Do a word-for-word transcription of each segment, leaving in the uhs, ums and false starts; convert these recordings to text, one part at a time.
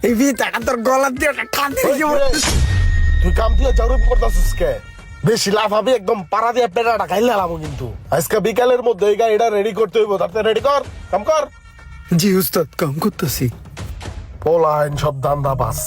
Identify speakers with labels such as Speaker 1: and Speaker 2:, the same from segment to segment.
Speaker 1: এই বিটাটা তোর গলা দিয়ে টান দিয়ে
Speaker 2: তুই কাম দিয়ে জরুরি করতেছিস কে? বেশি লাভ হবে একদম পাড়া দিয়ে পেটাটা খাইলে লাভো কিন্তু। আজকে বিকালের মধ্যে এই গাড়িটা রেডি করতে হইব, তাতে রেডি কর, কাম কর।
Speaker 1: জি উস্তাদ, কাম করতেছি।
Speaker 2: পোলাইন সব দান্দা বাস।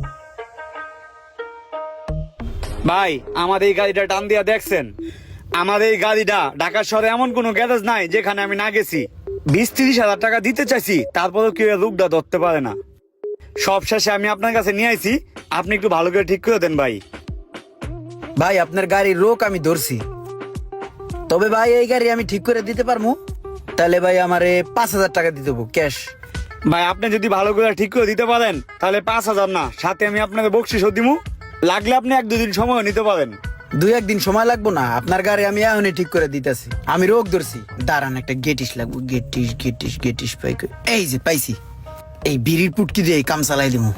Speaker 3: ভাই আমাদের এই গাড়িটা টান দিয়া দেখছেন? আমাদের এই গাড়িটা ঢাকা শহরে এমন কোনো গ্যারেজ নাই যেখানে আমি না গেছি। বিশ ত্রিশ হাজার টাকা দিতে চাইছি, তারপরেও কেউ লোকটা ধরতে পারে না। সব শেষে আমি আপনার কাছে নিয়ে আইছি, আপনি একটু ভালো করে ঠিক করে দেন ভাই।
Speaker 1: ভাই আপনার গাড়ির রোক আমি ধরছি, তবে ভাই এই গাড়ি আমি ঠিক করে দিতে পারবো। তাহলে ভাই আমারে পাঁচ হাজার টাকা দিতে হবো ক্যাশ।
Speaker 3: ভাই আপনি যদি ভালো করে ঠিক করে দিতে পারেন তাহলে পাঁচ হাজার না, সাথে আমি আপনাকে বকশিসও দিমু। লাগলে আপনি এক দুদিন সময় নিতে পারেন।
Speaker 1: দুই একদিন সময় লাগবো না, আপনার গাড়ি আমি এখনই ঠিক করে দিতেছি। আমি রোগ ধরছি, দাঁড়ান একটা গেটিস লাগবো। গেটিস গেটিস গেটিস পাই কই? এই যে পাইছি। এই বিড়ির পুটকি দিয়ে এই কাম চালাই দিমু।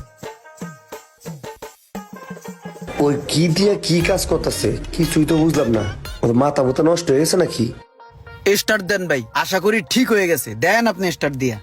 Speaker 4: ওই কি দিয়ে কি কাজ করতেছে কিছুই তো বুঝলাম না। ওর মাথা মতো নষ্ট হয়ে গেছে নাকি?
Speaker 1: স্টার্ট দেন ভাই, আশা করি ঠিক হয়ে গেছে। দেন আপনি স্টার্ট দিয়া।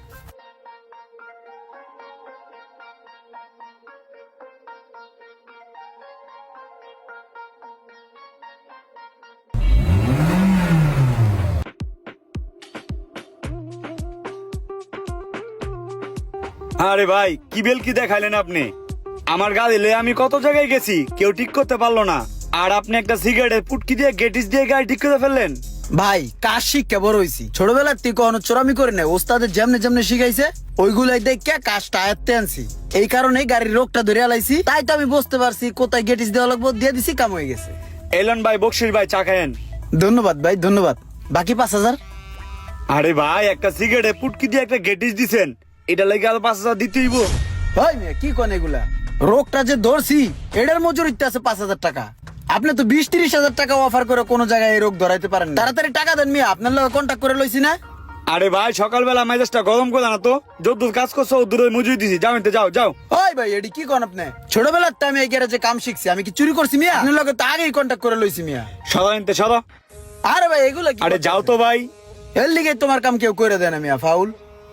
Speaker 3: আরে ভাই কি বেল কি দেখাইলেন আপনি? আমার গাড়ি লয়ে আমি কত জায়গায় গেছি, কেউ ঠিক করতে পারলো না। আর আপনি একটা সিগারেটের পুটকি দিয়ে গেটিস দিয়ে গাড়ি ঠিক করে ফেললেন।
Speaker 1: ভাই কাজ শিক্ষা বড় হইছি, ছোটবেলার থেকে কোনো চোরামি করে নেই। ওস্তাদের যেমনে যেমনে শিখাইছে ওইগুলাই দেখে কাজটা আয়ত্তে আনছি। এই কারণে গাড়ির রোগটা ধরে আলাইছি, তাই তো আমি বুঝতে পারছি কোথায় গেটিস দেওয়া লাগবো, দিয়ে দিছি, কাম হয়ে গেছে।
Speaker 3: এলন ভাই, বকশিস ভাই, চা খায়েন।
Speaker 1: ধন্যবাদ ভাই, ধন্যবাদ। বাকি পাঁচ হাজার?
Speaker 3: আরে ভাই একটা সিগারেটের পুটকি দিয়ে একটা গেটিস দিছেন, এটা লাগে আর পাঁচ হাজার দিতে হইব?
Speaker 1: ভাই মিয়া কি কোন এগুলা? রোগটা যে ধরছি এটার মজুরিতে আছে পাঁচ হাজার টাকা। আপনি তো বিশ তিরিশ হাজার টাকা অফার করে কোনো জায়গায় এই রোগ ধরাইতে পারেন না। তাড়াতাড়ি টাকা দেন মিয়া, আপনার লগে কন্ট্যাক্ট করে লইছি না।
Speaker 3: আরে ভাই সকালবেলা মেজাজটা গরম করে না তো, যদ্দূর কাজ করছো দূরে মজুরি দিছি, যাও এতে যাও যাও।
Speaker 1: ওই ভাই এডি কি কোন আপনি? ছোটবেলার তো আমি এই গ্যারেজে কাম শিখছি, আমি কি চুরি করছি মিয়া? আপনার লগে তো আগেই কন্ট্যাক্ট করে লইছি মিয়া।
Speaker 3: সদা এনতে সদা।
Speaker 1: আরে ভাই এগুলা কি?
Speaker 3: আরে যাও তো ভাই।
Speaker 1: এর লিগে তোমার কাম কেউ করে দেয় না মিয়া, ফাউল।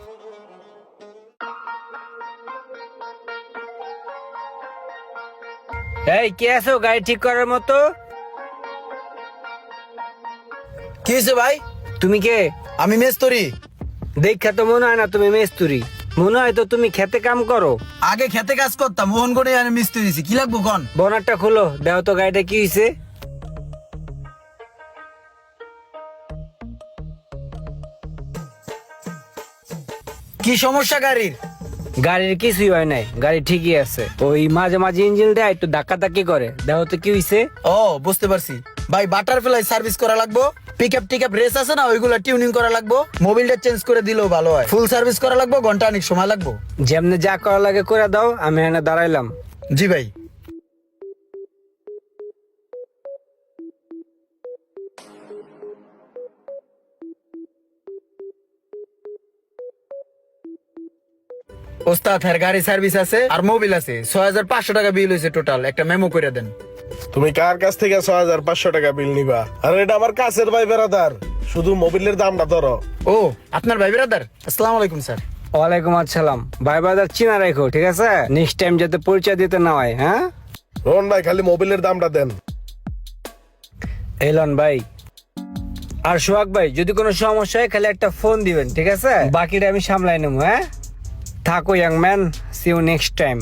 Speaker 5: এই কে আছো গাড়ি ঠিক করার মতো?
Speaker 1: কি হয়েছে ভাই?
Speaker 5: তুমি কে?
Speaker 1: আমি মেস্তরি।
Speaker 5: দেখা তো মনে হয় না তুমি মেস্তুরি, মনে হয় তো তুমি খেতে কাম করো।
Speaker 1: আগে খেতে কাজ করতাম, মোহনগড়ে আমি মিস্ত্রি দিছি। কি লাগবো কোন?
Speaker 5: বনারটা খুলো, দেও তো গাড়িটা কি হয়েছে।
Speaker 1: কি সমস্যা গাড়ির?
Speaker 5: গাড়ির কিছুই হয় নাই, গাড়ি ঠিকই আছে। ওই মাঝে মাঝে ইঞ্জিন দেয় একটু ধাক্কা ধাক্কি করে, দেও তো কি হয়েছে।
Speaker 1: ও বুঝতে পারছি ভাই, বাটারফ্লাই সার্ভিস করা লাগবো। পিক আপ টিক আপ রেস আছে না, ওইগুলা টিউনিং করা লাগবো। মোবিলটা চেঞ্জ করে দিলেও ভালো হয়। ফুল সার্ভিস করা লাগবো, ঘন্টা অনেক সময় লাগবো।
Speaker 5: যেমনে যা করা লাগে করে দাও, আমি এখানে দাঁড়াইলাম।
Speaker 1: জি ভাই। ওস্তাদ হ্যাঁ গাড়ি সার্ভিস আছে আর মোবিল আছে। ছয় হাজার পাঁচশো টাকা বিল হয়েছে টোটাল। একটা মেমো করে দেন।
Speaker 2: তুমি কার কাছ থেকে ছয় হাজার পাঁচশো টাকা বিল নিবা? আর এটা আমার কাছের ভাই বেড়াদার, শুধু মোবিলের দামটা ধরো।
Speaker 1: ও আপনার ভাই ব্রাদার? আসসালামু আলাইকুম স্যার।
Speaker 5: ওয়ালাইকুম আসসালাম। ভাই বাজার চিনা রাখো, ঠিক আছে? নেক্সট টাইম যাতে পরিচয় দিতে না হয়। হ্যাঁ
Speaker 2: রোহন ভাই, খালি মোবিলের দামটা দেন।
Speaker 5: এলন ভাই আর সোহাগ ভাই, যদি কোনো সমস্যা হয় খালি একটা ফোন দিবেন, ঠিক আছে? বাকিটা আমি সামলাই নেবো। হ্যাঁ থাকো young man, see you next time.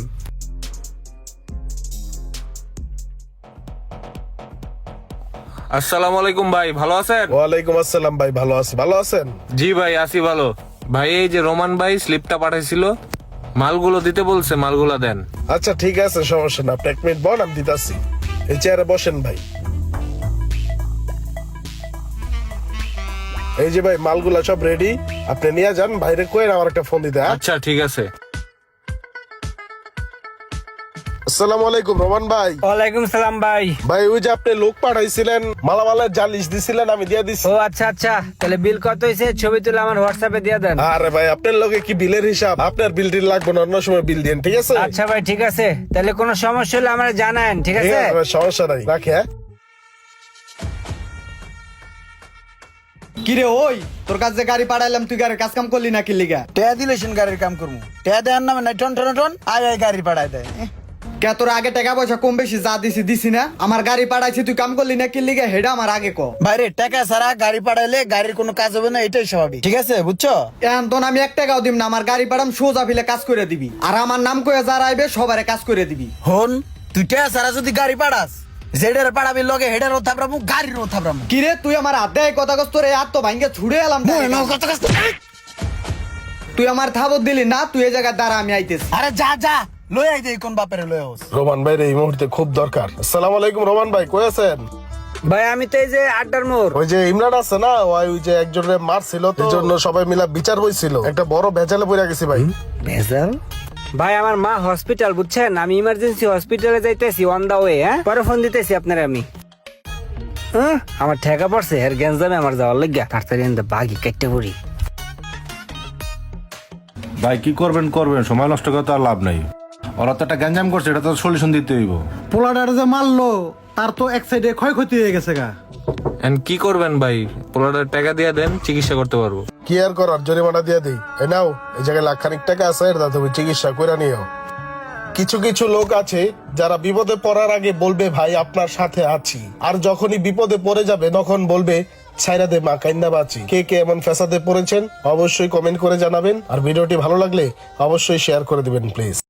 Speaker 6: আসসালামু আলাইকুম ভাই, ভালো আছেন?
Speaker 2: ওয়ালাইকুম আসসালাম ভাই, ভালো আছি। ভালো আছেন?
Speaker 6: জি ভাই আছি ভালো। ভাই এই যে রোমান ভাই স্লিপটা পাঠাইছিল, মালগুলো দিতে বলছে, মালগুলো দেন।
Speaker 2: আচ্ছা ঠিক আছে, সমস্যা না। আপনি এক মিনিট বল, আমি দিতাছি। এই চেয়ারে বসেন ভাই। এই যে ভাই মালগুলা সব রেডি, আপনি নিয়ে যান। বাইরে কই আমার একটা ফোন দিতে। হ্যাঁ?
Speaker 6: আচ্ছা ঠিক আছে।
Speaker 2: আসসালামু আলাইকুম রোমান ভাই।
Speaker 5: ওয়ালাইকুম সালাম ভাই।
Speaker 2: ভাই ওই যে আপনি লোক পাঠাইছিলেন, মালামালের জালিশ দিছিলেন, আমি দিয়ে দিছি।
Speaker 5: ও আচ্ছা আচ্ছা, তাহলে বিল কত হয়েছে ছবি তুলে আমার হোয়াটসঅ্যাপে দিয়ে দেন।
Speaker 2: আরে ভাই আপনার লগে কি বিলের হিসাব? আপনার বিল টিল লাগবে না, অন্য সময় বিল দিন, ঠিক আছে?
Speaker 5: আচ্ছা ভাই ঠিক আছে, তাহলে কোনো সমস্যা হলে আমার জানান, ঠিক
Speaker 2: ঠিক
Speaker 5: আছে?
Speaker 2: আছে ভাই, সমস্যা নাই, রাখি। হ্যাঁ
Speaker 7: কিরে ওই তোর কাছে গাড়ি পাঠাইলাম তুই গাড়ির কাজ কাম করলি না কি লিগা?
Speaker 1: টেয়া দিলে সেন গাড়ির কাম করবো, টেয়া দেওয়ার নামে নাই টন টন টন আয় আয় গাড়ি পাঠায় দেয়। এহ,
Speaker 7: কে তোর আগে টাকা পয়সা কম বেশি যা দিছি দিছি না? আমার গাড়ি পাঠাইছি তুই কাম করলি না কি লিগা হেডা আমার আগে ক।
Speaker 1: বাইরে টাকা ছাড়া গাড়ি পাঠাইলে গাড়ির কোনো কাজ হবে না, এটাই স্বাভাবিক, ঠিক আছে বুঝছো?
Speaker 7: এখন তো আমি এক টাকাও দিব না, আমার গাড়ি পাঠাম সোজা ফিলে কাজ করে দিবি, আর আমার নাম কয়ে যারা আইবে সবারে কাজ করে দিবি।
Speaker 1: হন তুই টেয়া ছাড়া যদি গাড়ি পাঠাস, জেডের পাঠাবি লগে হেডেরও থাপড়ামু গাড়িরও থাপড়ামু।
Speaker 7: কিরে তুই আমার হাত দেয় কথা কস, তোর এই হাত তো ভাঙ্গে ছুড়ে এলাম। তুই আমার থাবত দিলি না, তুই এই জায়গায় দাঁড়া আমি আইতেছি।
Speaker 1: আরে যা যা লই আই দে কোন বাপের লই হোস।
Speaker 2: রোমান ভাই এই মুহূর্তে খুব দরকার। আসসালামু আলাইকুম রোমান ভাই, কই আছেন?
Speaker 5: ভাই আমি তো এই যে আড্ডার মোড়।
Speaker 2: ওই যে ইমরান আছে না, ওই ওই যে একজনের মারছিল, তো এই জন্য সবাই মিলা বিচার হইছিল, একটা বড় ভেজালে পড়ে গেছি ভাই।
Speaker 5: ভেজাল? ভাই আমার মা হসপিটাল, বুঝছেন? আমি ইমার্জেন্সি হসপিটালে যাইতেছি অন দা ওয়ে। হ্যাঁ পরে ফোন দিতেছি আপনার আমি। হ্যাঁ আমার ঠেকা পড়ছে এর গ্যাঞ্জামে আমার যাওয়ার লাগিয়া, তাড়াতাড়ি এনে বাগি কেটে পড়ি।
Speaker 8: ভাই কি করবেন করবেন, সময় নষ্ট করে তো আর লাভ নাই। ওরা তো একটা গ্যাঞ্জাম করছে, এটা তো সলিউশন দিতে হইব।
Speaker 9: পোলাডার যে মারলো তার তো এক সাইডে ক্ষয়ক্ষতি হয়ে গেছে গা।
Speaker 6: এন্ড কি করবেন ভাই, পোলাটার টাকা দিয়ে দেন, চিকিৎসা করতে পারবো।
Speaker 2: কি আর করার, জরিমানা দিয়ে দিই। এই নাও, এই জায়গায় লাখ খানিক টাকা আছে, এটা তুমি চিকিৎসা করে নিও। কিছু কিছু লোক আছে যারা বিপদে পড়ার আগে বলবে ভাই আপনার সাথে আছি, আর যখনই বিপদে পড়ে যাবে তখন বলবে ছাইরা দে মা কাইন্দা বাঁচি। কে কে এমন ফেসাদে পড়েছেন অবশ্যই কমেন্ট করে জানাবেন, আর ভিডিওটি ভালো লাগলে অবশ্যই শেয়ার করে দিবেন প্লিজ।